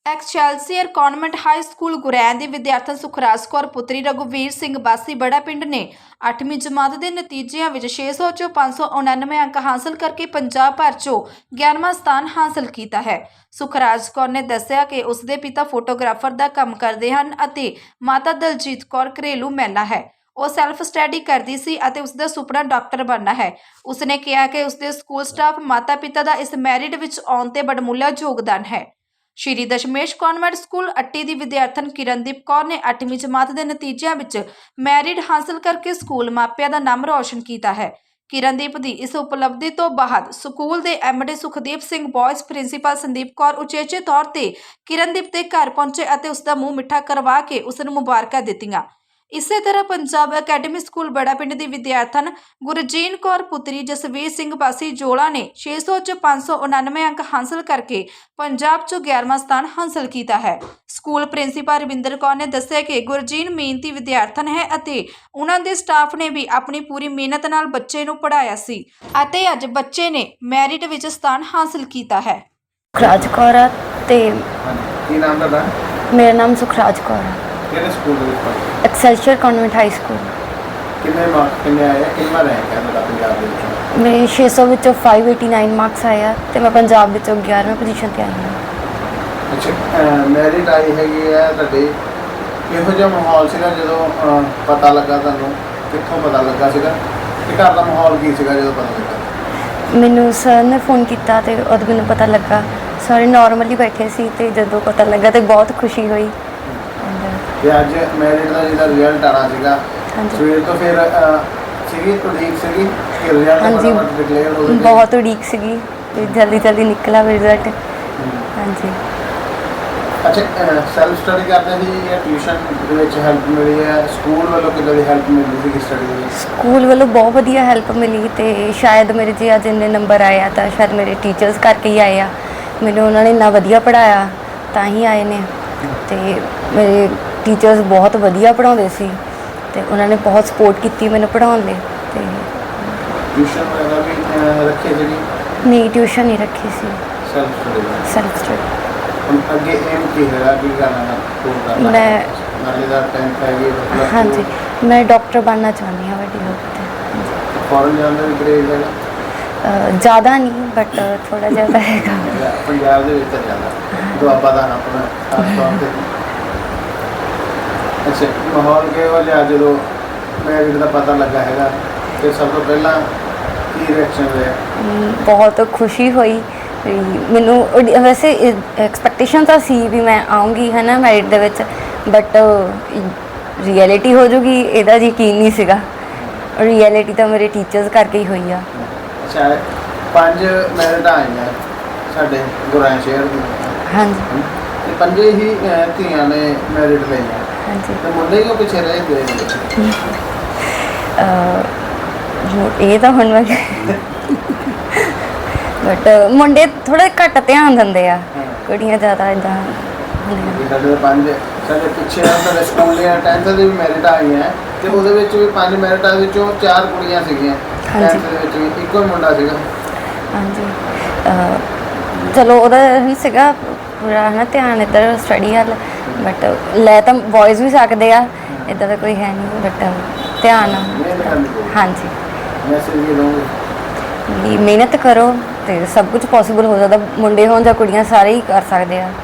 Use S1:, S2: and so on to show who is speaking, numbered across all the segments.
S1: ਐਕਸਚੈਲਸੀਅਰ convent high school Gurain ਦੀ ਵਿਦਿਆਰਥਣ ਸੁਖਰਾਜ ਕੌਰ ਪੁੱਤਰੀ ਰਘੁਵੀਰ ਸਿੰਘ ਵਾਸੀ ਬੜਾ ਪਿੰਡ ਨੇ 8ਵੀਂ ਜਮਾਤ ਦੇ ਨਤੀਜਿਆਂ ਵਿੱਚ 600 ਚੋਂ 599 ਅੰਕ ਹਾਸਲ ਕਰਕੇ ਪੰਜਾਬ ਭਰ ਚੋਂ 11ਵਾਂ ਸਥਾਨ ਹਾਸਲ ਕੀਤਾ ਹੈ। ਸੁਖਰਾਜ ਕੌਰ ਨੇ ਦੱਸਿਆ ਕਿ ਉਸ ਦੇ ਪਿਤਾ ਫੋਟੋਗ੍ਰਾਫਰ ਦਾ ਕੰਮ ਕਰਦੇ ਹਨ ਅਤੇ ਮਾਤਾ ਦਲਜੀਤ ਕੌਰ ਘਰੇਲੂ ਮਹਿਲਾ ਹੈ। ਉਹ ਸੈਲਫ ਸਟੱਡੀ ਕਰਦੀ ਸੀ ਅਤੇ ਉਸ ਦਾ ਸੁਪਨਾ ਡਾਕਟਰ ਬਣਨਾ ਹੈ। ਉਸਨੇ ਕਿਹਾ ਕਿ ਉਸ ਦੇ ਸਕੂਲ ਸਟਾਫ ਮਾਤਾ ਪਿਤਾ ਦਾ ਇਸ ਮੈਰਿਟ ਵਿੱਚ ਆਉਣ ਤੇ ਬੜਮੁੱਲਾ ਯੋਗਦਾਨ ਹੈ। ਸ਼੍ਰੀ ਦਸ਼ਮੇਸ਼ ਕਾਨਵੈਂਟ ਸਕੂਲ ਅੱਟੀ ਦੀ ਵਿਦਿਆਰਥਣ ਕਿਰਨਦੀਪ ਕੌਰ ਨੇ 8ਵੀਂ ਜਮਾਤ ਦੇ ਨਤੀਜਿਆਂ ਵਿੱਚ ਮੈਰਿਟ ਹਾਸਲ ਕਰਕੇ ਸਕੂਲ ਮਾਪਿਆਂ ਦਾ ਨਾਮ ਰੌਸ਼ਨ ਕੀਤਾ ਹੈ। ਕਿਰਨਦੀਪ ਦੀ ਇਸ ਉਪਲਬਧੀ ਤੋਂ ਬਾਅਦ ਸਕੂਲ ਦੇ MD Sukhdeep Singh boys principal Sandeep Kaur ਉਚੇਚੇ ਤੌਰ ਤੇ ਕਿਰਨਦੀਪ ਦੇ ਘਰ ਪਹੁੰਚੇ ਅਤੇ ਉਸ ਦਾ ਮੂੰਹ ਮਿੱਠਾ ਕਰਵਾ ਕੇ ਉਸ ਨੂੰ ਮੁਬਾਰਕਾਂ ਦਿੱਤੀਆਂ। ਇਸੇ ਤਰ੍ਹਾਂ ਪੰਜਾਬ ਅਕੈਡਮੀ ਸਕੂਲ ਬੜਾ ਪਿੰਡ ਦੀ ਵਿਦਿਆਰਥਣ ਗੁਰਜੀਨ ਕੌਰ ਪੁੱਤਰੀ ਜਸਵੀਰ ਸਿੰਘ ਵਾਸੀ ਜੋਲਾ ਨੇ 600 ਚ 599 ਅੰਕ ਹਾਸਲ ਕਰਕੇ ਪੰਜਾਬ 'ਚ 11ਵਾਂ ਸਥਾਨ ਹਾਸਲ ਕੀਤਾ ਹੈ। ਸਕੂਲ ਪ੍ਰਿੰਸੀਪਲ ਰਵਿੰਦਰ ਕੌਰ ਨੇ ਦੱਸਿਆ ਕਿ ਗੁਰਜੀਨ ਮਿਹਨਤੀ ਵਿਦਿਆਰਥਣ ਹੈ ਅਤੇ ਉਹਨਾਂ ਦੇ ਸਟਾਫ ਨੇ ਵੀ ਆਪਣੀ ਪੂਰੀ ਮਿਹਨਤ ਨਾਲ ਬੱਚੇ ਨੂੰ ਪੜ੍ਹਾਇਆ ਸੀ ਅਤੇ ਅੱਜ ਬੱਚੇ ਨੇ ਮੈਰਿਟ ਵਿੱਚ ਸਥਾਨ ਹਾਸਲ ਕੀਤਾ ਹੈ।
S2: ਸੁਖਰਾਜ ਕੌਰ ਆ ਤੇ
S3: ਕੀ ਨਾਮ ਤੁਹਾਡਾ?
S2: ਮੇਰਾ ਨਾਮ ਸੁਖਰਾਜ ਕੌਰ ਆ।
S3: ਕਿਹੜੇ ਸਕੂਲ ਦੇ ਵਿੱਚ ਪੜ੍ਹਦੇ?
S2: Excelsior convent high school.
S3: ਕਿੰਨੇ ਮਾਰਕਸ ਕਿੰਨੇ ਆਏ? ਕਿੰਨਾ ਰੈਂਕ ਹੈ ਤੁਹਾਡਾ ਪੰਜਾਬ ਦੇ ਵਿੱਚ?
S2: ਮੇਰੇ 600 ਵਿੱਚੋਂ 589 ਮਾਰਕਸ ਆਏ ਆ ਤੇ ਮੈਂ ਪੰਜਾਬ ਵਿੱਚੋਂ 11ਵੀਂ ਪੋਜੀਸ਼ਨ ਤੇ ਆਈ ਹਾਂ।
S3: ਅੱਛਾ, ਮੈਰਿਟ ਆਈ ਹੈਗੀ ਹੈ ਤੁਹਾਡੇ। ਕਿਹੋ ਜਿਹਾ ਮਾਹੌਲ ਸੀਗਾ ਜਦੋਂ ਪਤਾ ਲੱਗਾ ਤੁਹਾਨੂੰ? ਕਿੱਥੋਂ ਪਤਾ ਲੱਗਾ ਸੀਗਾ ਤੇ ਘਰ ਦਾ ਮਾਹੌਲ ਕੀ ਸੀਗਾ ਜਦੋਂ ਪਤਾ ਲੱਗਾ?
S2: ਮੈਨੂੰ ਸਰ ਨੇ ਫੋਨ ਕੀਤਾ ਤੇ ਉਦੋਂ ਮੈਨੂੰ ਪਤਾ ਲੱਗਾ। ਸਾਰੇ ਨਾਰਮਲੀ ਬੈਠੇ ਸੀ ਤੇ ਜਦੋਂ ਪਤਾ ਲੱਗਾ ਤੇ ਬਹੁਤ ਖੁਸ਼ੀ ਹੋਈ।
S3: ਤੇ ਅੱਜ ਮੈਰਿਟ ਦਾ ਜਿਹੜਾ ਰਿਜ਼ਲਟ ਆਣਾ ਸੀਗਾ
S2: ਹਾਂਜੀ।
S3: ਸਵੇਰ ਤੋਂ ਫਿਰ ਸੀਗੀ ਉਡੀਕ ਸੀਗੀ ਕਿ ਰਿਜ਼ਲਟ
S2: ਹਾਂਜੀ,
S3: ਡਿਕਲੇਅਰ ਹੋ ਗਿਆ?
S2: ਬਹੁਤ ਉਡੀਕ ਸੀਗੀ ਤੇ ਜਲਦੀ ਨਿਕਲਾ ਰਿਜ਼ਲਟ। ਹਾਂਜੀ।
S3: ਅੱਛਾ, ਸੈਲਫ ਸਟੱਡੀ ਕਰਦੇ ਸੀ ਜਾਂ ਟਿਊਸ਼ਨ ਦੇ ਵਿੱਚ ਹੈਲਪ ਮਿਲੀ ਹੈ? ਸਕੂਲ ਵੱਲੋਂ ਕਿੱਦਾਂ ਦੀ ਹੈਲਪ ਮਿਲਦੀ ਸੀ ਸਟੱਡੀ ਦੇ ਵਿੱਚ?
S2: ਸਕੂਲ ਵੱਲੋਂ ਬਹੁਤ ਵਧੀਆ ਹੈਲਪ ਮਿਲੀ ਤੇ ਸ਼ਾਇਦ ਮੇਰੇ ਜੇ ਅੱਜ ਇੰਨੇ ਨੰਬਰ ਆਏ ਆ ਤਾਂ ਸ਼ਾਇਦ ਮੇਰੇ ਟੀਚਰਸ ਕਰਕੇ ਹੀ ਆਏ ਆ। ਮੈਨੂੰ ਉਹਨਾਂ ਨੇ ਇੰਨਾ ਵਧੀਆ ਪੜ੍ਹਾਇਆ ਤਾਂ ਹੀ ਆਏ ਨੇ ਤੇ ਮੇਰੇ ਟੀਚਰਸ ਬਹੁਤ ਵਧੀਆ ਪੜ੍ਹਾਉਂਦੇ ਸੀ ਤੇ ਉਹਨਾਂ ਨੇ ਬਹੁਤ ਸਪੋਰਟ ਕੀਤੀ ਮੈਨੂੰ ਪੜ੍ਹਾਉਣ ਲਈ। ਤੇ
S3: ਟਿਊਸ਼ਨ ਵਗੈਰਾ ਵੀ ਰੱਖੇ ਜਿਹੜੀ?
S2: ਨਹੀਂ, ਟਿਊਸ਼ਨ ਨਹੀਂ ਰੱਖੀ ਸੀ,
S3: ਸੈਲਫ ਸਟੱਡੀ।
S2: Self study.
S3: ਹੁਣ ਅੱਗੇ ਏਮ ਕੀ ਹੈਗਾ? ਕੀ ਕਰਨਾ ਹੈ? ਨਾਲੇ ਦਾ 10th ਹੈਗੀ?
S2: ਹਾਂਜੀ, ਮੈਂ ਡਾਕਟਰ ਬਣਨਾ ਚਾਹੁੰਦੀ ਹਾਂ ਵੱਡੀ ਹੋ ਕੇ।
S3: ਫੋਰਨ ਜਾਣ ਦਾ ਵੀ ਕਰੇਜ਼ ਹੈਗਾ?
S2: ਜ਼ਿਆਦਾ ਨਹੀਂ ਬਟ ਥੋੜ੍ਹਾ ਜ਼ਿਆਦਾ ਹੈਗਾ।
S3: ਪੰਜਾਬ ਦੇ ਵਿੱਚ ਜ਼ਿਆਦਾ ਦੁਆਬਾ ਦਾ ਆਪਣਾ ਖਾਸ ਤੌਰ 'ਤੇ। ਅੱਛਾ, ਮਾਹੌਲ ਕਿਹੋ ਜਿਹਾ ਜਦੋਂ ਮੈਰਿਟ ਦਾ ਪਤਾ ਲੱਗਾ ਹੈਗਾ ਤੇ ਸਭ ਤੋਂ ਪਹਿਲਾਂ ਕੀ ਰਿਐਕਸ਼ਨ ਹੋਇਆ?
S2: ਬਹੁਤ ਖੁਸ਼ੀ ਹੋਈ। ਮੈਨੂੰ ਵੈਸੇ ਐਕਸਪੈਕਟੇਸ਼ਨ ਤਾਂ ਸੀ ਵੀ ਮੈਂ ਆਉਂਗੀ ਹੈ ਨਾ ਮੈਰਿਟ ਦੇ ਵਿੱਚ, ਬਟ ਰਿਐਲਿਟੀ ਹੋ ਜੂਗੀ ਇਹਦਾ ਯਕੀਨ ਨਹੀਂ ਸੀਗਾ। ਰਿਐਲਿਟੀ ਤਾਂ ਮੇਰੇ ਟੀਚਰਸ ਕਰਕੇ ਹੀ ਹੋਈ ਆ।
S3: ਅੱਛਾ, 5 ਮੈਰਿਟ ਆਈਆਂ ਸਾਡੇ ਗੁਰੈਣ ਸ਼ਹਿਰ ਦੀ। ਹਾਂਜੀ। ਤੇ 5 ਹੀ ਧੀਆਂ ਨੇ ਮੈਰਿਟ ਲਈਆਂ। ਹਾਂਜੀ। ਤੇ ਮੁੰਡੇ ਕਿਉਂ ਪਿੱਛੇ ਰਹਿ ਗਏ?
S2: ਇਹ ਤਾਂ ਹੁਣ ਮੈਂ ਬਟ ਮੁੰਡੇ ਥੋੜ੍ਹੇ ਘੱਟ ਧਿਆਨ ਦਿੰਦੇ ਆ, ਕੁੜੀਆਂ ਜ਼ਿਆਦਾ ਇੱਦਾਂ ਹੁੰਦੀਆਂ।
S3: ਸਾਡੇ 5 ਸਾਡੇ ਪਿੱਛੇ ਸਾਡੇ ਸਕੂਲ ਦੀਆਂ 10th ਦੀ ਵੀ ਮੈਰਿਟ ਆਈਆਂ ਤੇ ਉਹਦੇ ਵਿੱਚ ਵੀ 5 ਮੈਰਿਟਾਂ ਵਿੱਚੋਂ 4 ਕੁੜੀਆਂ ਸੀਗੀਆਂ। 10th ਦੇ ਵਿੱਚ ਵੀ ਇੱਕੋ ਹੀ ਮੁੰਡਾ ਸੀਗਾ। ਹਾਂਜੀ।
S2: ਚਲੋ ਉਹਦਾ ਹੀ ਸੀਗਾ ਪੂਰਾ ਹੈ ਨਾ ਧਿਆਨ ਇੱਧਰ ਸਟੱਡੀ ਵੱਲ, ਬਟ ਲੈ ਤਾਂ ਬॉयਜ਼ ਵੀ ਸਕਦੇ ਆ, ਇੱਦਾਂ ਦਾ ਕੋਈ ਹੈ ਨਹੀਂ, ਬਟ ਧਿਆਨ। ਹਾਂਜੀ।
S3: ਮੈਸੇਜ ਇਹ ਦਊਂਗੇ?
S2: ਮਿਹਨਤ ਕਰੋ ਤੇ ਸਭ ਕੁਝ ਪੋਸੀਬਲ ਹੋ ਸਕਦਾ। ਮੁੰਡੇ ਹੋਣ ਜਾਂ ਕੁੜੀਆਂ ਸਾਰੇ ਹੀ ਕਰ ਸਕਦੇ ਆ।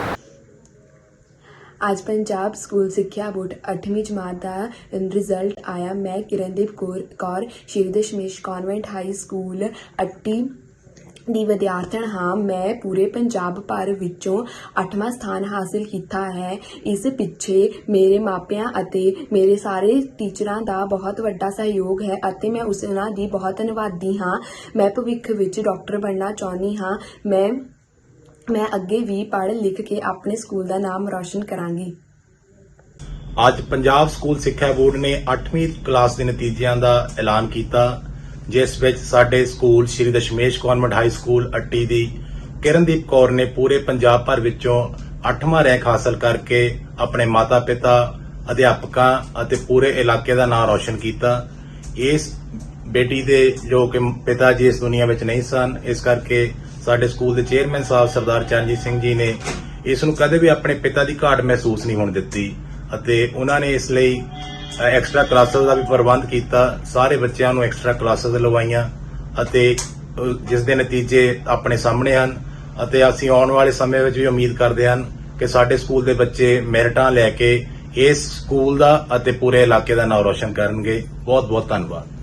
S4: ਅੱਜ ਪੰਜਾਬ ਸਕੂਲ ਸਿੱਖਿਆ ਬੋਰਡ 8ਵੀਂ ਜਮਾਤ ਦਾ ਰਿਜ਼ਲਟ ਆਇਆ। ਮੈਂ Kirandeep Kaur Shri Dashmesh convent high school Atti ਦੀ ਵਿਦਿਆਰਥਣ ਹਾਂ। ਮੈਂ ਪੂਰੇ ਪੰਜਾਬ ਭਰ ਵਿੱਚੋਂ 8ਵਾਂ ਸਥਾਨ ਹਾਸਿਲ ਕੀਤਾ ਹੈ। ਇਸ ਪਿੱਛੇ ਮੇਰੇ ਮਾਪਿਆਂ ਅਤੇ ਮੇਰੇ ਸਾਰੇ ਟੀਚਰਾਂ ਦਾ ਬਹੁਤ ਵੱਡਾ ਸਹਿਯੋਗ ਹੈ ਅਤੇ ਮੈਂ ਉਹਨਾਂ ਦੀ ਬਹੁਤ ਧੰਨਵਾਦੀ ਹਾਂ। ਮੈਂ ਭਵਿੱਖ ਵਿੱਚ ਡਾਕਟਰ ਬਣਨਾ ਚਾਹੁੰਦੀ ਹਾਂ। ਮੈਂ ਅੱਗੇ ਵੀ ਪੜ੍ਹ ਲਿਖ ਕੇ ਆਪਣੇ ਸਕੂਲ ਦਾ ਨਾਮ ਰੌਸ਼ਨ ਕਰਾਂਗੀ।
S5: ਅੱਜ ਪੰਜਾਬ ਸਕੂਲ ਸਿੱਖਿਆ ਬੋਰਡ ਨੇ 8ਵੀਂ ਕਲਾਸ ਦੇ ਨਤੀਜਿਆਂ ਦਾ ਐਲਾਨ ਕੀਤਾ, ਜਿਸ ਵਿੱਚ ਸਾਡੇ school Shri Dashmesh convent high school Atti ਦੀ ਕਿਰਨਦੀਪ ਕੌਰ ਨੇ ਪੂਰੇ ਪੰਜਾਬ ਭਰ ਵਿੱਚੋਂ 8ਵਾਂ ਰੈਂਕ ਹਾਸਲ ਕਰਕੇ ਆਪਣੇ ਮਾਤਾ ਪਿਤਾ, ਅਧਿਆਪਕਾਂ ਅਤੇ ਪੂਰੇ ਇਲਾਕੇ ਦਾ ਨਾਮ ਰੌਸ਼ਨ ਕੀਤਾ। ਇਸ ਬੇਟੀ ਦੇ ਜੋ ਕਿ ਪਿਤਾ ਜੀ ਇਸ ਦੁਨੀਆ ਵਿੱਚ ਨਹੀਂ ਸਨ, ਇਸ ਕਰਕੇ ਸਾਡੇ ਸਕੂਲ ਦੇ ਚੇਅਰਮੈਨ ਸਾਹਿਬ ਸਰਦਾਰ ਚਰਨਜੀਤ ਸਿੰਘ ਜੀ ਨੇ ਇਸ ਨੂੰ ਕਦੇ ਵੀ ਆਪਣੇ ਪਿਤਾ ਦੀ ਘਾਟ ਮਹਿਸੂਸ ਨਹੀਂ ਹੋਣ ਦਿੱਤੀ ਅਤੇ ਉਹਨਾਂ ਨੇ ਇਸ ਲਈ ਐਕਸਟਰਾ ਕਲਾਸਿਸ ਦਾ ਵੀ ਪ੍ਰਬੰਧ ਕੀਤਾ। ਸਾਰੇ ਬੱਚਿਆਂ ਨੂੰ ਐਕਸਟਰਾ ਕਲਾਸਿਸ ਲਵਾਈਆਂ ਅਤੇ ਜਿਸ ਦੇ ਨਤੀਜੇ ਆਪਣੇ ਸਾਹਮਣੇ ਹਨ ਅਤੇ ਅਸੀਂ ਆਉਣ ਵਾਲੇ ਸਮੇਂ ਵਿੱਚ ਵੀ ਉਮੀਦ ਕਰਦੇ ਹਾਂ ਕਿ ਸਾਡੇ ਸਕੂਲ ਦੇ ਬੱਚੇ ਮੈਰਿਟਾਂ ਲੈ ਕੇ ਇਸ ਸਕੂਲ ਦਾ ਅਤੇ ਪੂਰੇ ਇਲਾਕੇ ਦਾ ਨਾਮ ਰੋਸ਼ਨ ਕਰਨਗੇ। ਬਹੁਤ ਬਹੁਤ ਧੰਨਵਾਦ।